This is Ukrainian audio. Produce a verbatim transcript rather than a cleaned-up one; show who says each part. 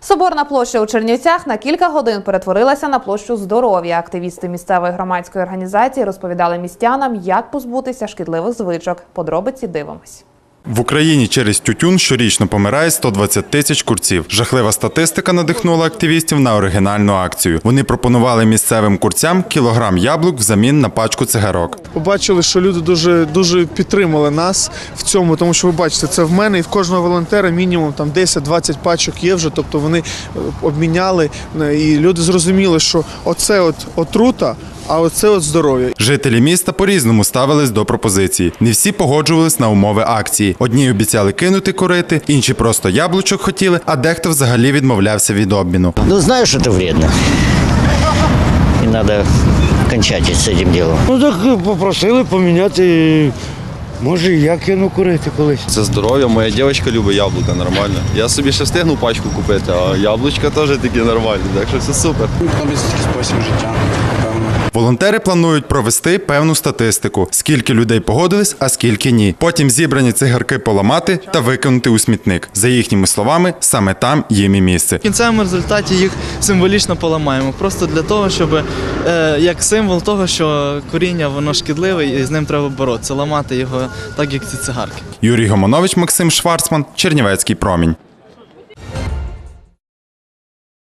Speaker 1: Соборна площа у Чернівцях на кілька годин перетворилася на площу здоров'я. Активісти місцевої громадської організації розповідали містянам, як позбутися шкідливих звичок. Подробиці дивимось.
Speaker 2: В Україні через тютюн щорічно помирає сто двадцять тисяч курців. Жахлива статистика надихнула активістів на оригінальну акцію. Вони пропонували місцевим курцям кілограм яблук взамін на пачку цигарок.
Speaker 3: Побачили, що люди дуже, дуже підтримали нас в цьому, тому що ви бачите, це в мене і в кожного волонтера мінімум там десять-двадцять пачок є вже, тобто вони обміняли і люди зрозуміли, що оце от отрута, а оце от здоров'я.
Speaker 2: Жителі міста по-різному ставились до пропозиції. Не всі погоджувались на умови акції. Одні обіцяли кинути курити, інші просто яблучок хотіли, а дехто взагалі відмовлявся від обміну.
Speaker 4: Ну, знаю, що це вредно. І треба кінчати з цим ділом.
Speaker 5: Ну так попросили поміняти. Може, я кину курити колись.
Speaker 6: Це здоров'я, моя дівчинка любить яблука, нормально. Я собі ще встигну пачку купити, а яблучка теж такі нормальні, так що все супер.
Speaker 7: Економічний спосіб життя, напевно.
Speaker 2: Волонтери планують провести певну статистику, скільки людей погодились, а скільки ні. Потім зібрані цигарки поламати та викинути у смітник. За їхніми словами, саме там їм і місце.
Speaker 8: В кінцевому результаті їх символічно поламаємо, просто для того, щоб е, як символ того, що куріння воно шкідливе і з ним треба боротися, ламати його так, як ці цигарки.
Speaker 2: Юрій Гомонович, Максим Шварцман, Чернівецький промінь.